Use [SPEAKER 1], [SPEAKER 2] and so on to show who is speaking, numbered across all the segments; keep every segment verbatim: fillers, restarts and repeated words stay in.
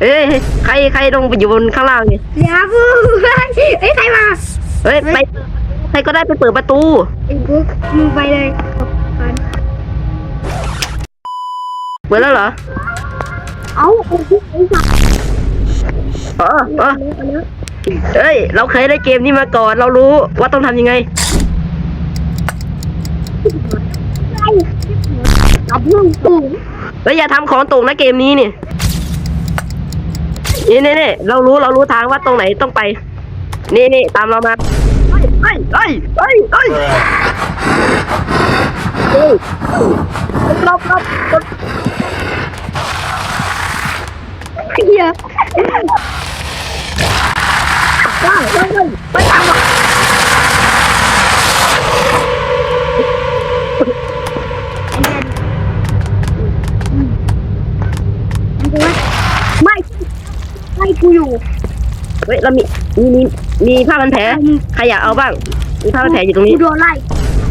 [SPEAKER 1] เฮ้ยใครใครลงไปอยู่บนข้างล่างนี่
[SPEAKER 2] เดี๋ยวพูดเฮ้ยใครมา
[SPEAKER 1] เฮ้ยไปใครก็ได้ไปเปิดประตู
[SPEAKER 2] ไอ้บุ๊กมึงไปเลย
[SPEAKER 1] เปิดแล้วเหรอ
[SPEAKER 2] เอ้าไอ้บุ๊กไอ้สัตว์
[SPEAKER 1] อ๋ออ๋อเฮ้ยเราเคยได้เกมนี้มาก่อนเรารู้ว่าต้องทำยังไง
[SPEAKER 2] กับเรื่องตู่
[SPEAKER 1] เฮ้ยอย่าทำของตกนะเกมนี้นี่นี่นี่นี่เรารู้เรารู้ทางว่าตรงไหนต้องไปนี่นี่ตามเรามาเฮ้ยเฮ้ยเฮ้ยเฮ้ยเฮ้ยรอบรอบ
[SPEAKER 2] เฮีย
[SPEAKER 1] ว้าวเฮ้ยเฮ้ยไปตามมา
[SPEAKER 2] ไม่ไม่กูอยู่
[SPEAKER 1] เฮ้ยเรามีมีมีมีผ้าพันแผลใครอยากเอาบ้างมีผ้าพันแผลอยู่ตรงนี้
[SPEAKER 2] กูโดนไล่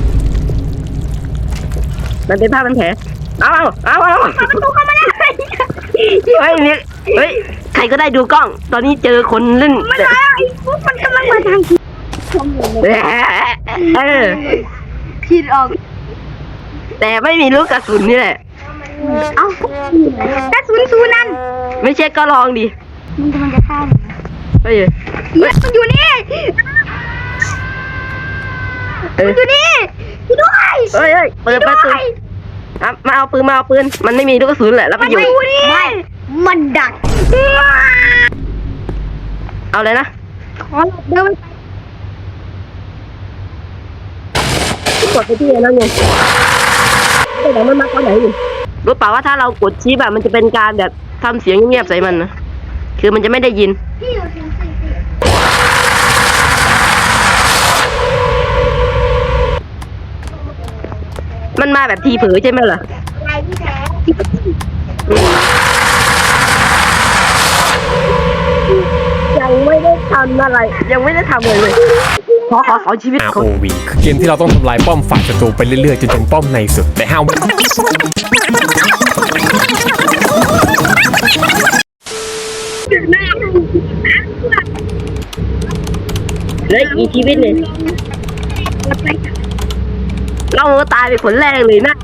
[SPEAKER 1] มันเป็นผ้าพันแผลเอาเอาเอาเอา
[SPEAKER 2] ประตูเข้ามาได้
[SPEAKER 1] เฮ้ยมีเฮ้ยใครก็ได้ดูกล้องตอนนี้เจอคนเล่น
[SPEAKER 2] มันมาไอ้ปุ๊บมันกำลังมาทาง
[SPEAKER 1] เออ
[SPEAKER 2] คิดออก
[SPEAKER 1] แต่ไม่มีลูกกระสุนนี่แหละ
[SPEAKER 2] เอ้ากระสุนซูนั่น
[SPEAKER 1] ไม่ใช่ก็ลองดิ
[SPEAKER 2] มันกำลังจะฆ่าหนู
[SPEAKER 1] เฮ้ย
[SPEAKER 2] มันอยู่นี่มันอยู่นี่ด้วย
[SPEAKER 1] เฮ้ยเฮ้ยเปิดประตูมาเอาปืนมาเอาปืนมันไม่มีลูกกระสุนแหละแล้วไปอยู่
[SPEAKER 2] ไม่มันดัก
[SPEAKER 1] เอาเลยนะ
[SPEAKER 2] ขอหลบเดิน
[SPEAKER 1] กดไปที่แล้วไงแต่เดี๋ยวมันมาตอนไหนอยู่รู้เปล่าว่าถ้าเรากดชี้แบบมันจะเป็นการแบบทำเสียงเงียบใส่มันนะคือมันจะไม่ได้ยินมันมาแบบทีเผลอใช่ไหมล่ะยังไม่ได้ทำอะไรยังไม่ได้ทำเลยเลยขอขอขอชีวิต
[SPEAKER 3] อาร์ โอ วี คือเกมที่เราต้องทำลายป้อมฝ่ายศัตรูไปเรื่อยๆจนถึงป้อมในสุดแต่ห้าว
[SPEAKER 1] เลยอีชีวิตเลยเราตายไปคนแรกเลยนะ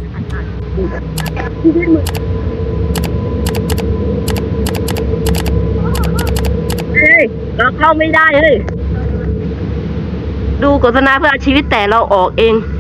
[SPEAKER 1] เฮ้ยเราเข้าไม่ได้เลยดูโฆษณาเพื่อชีวิตแต่เราออกเอง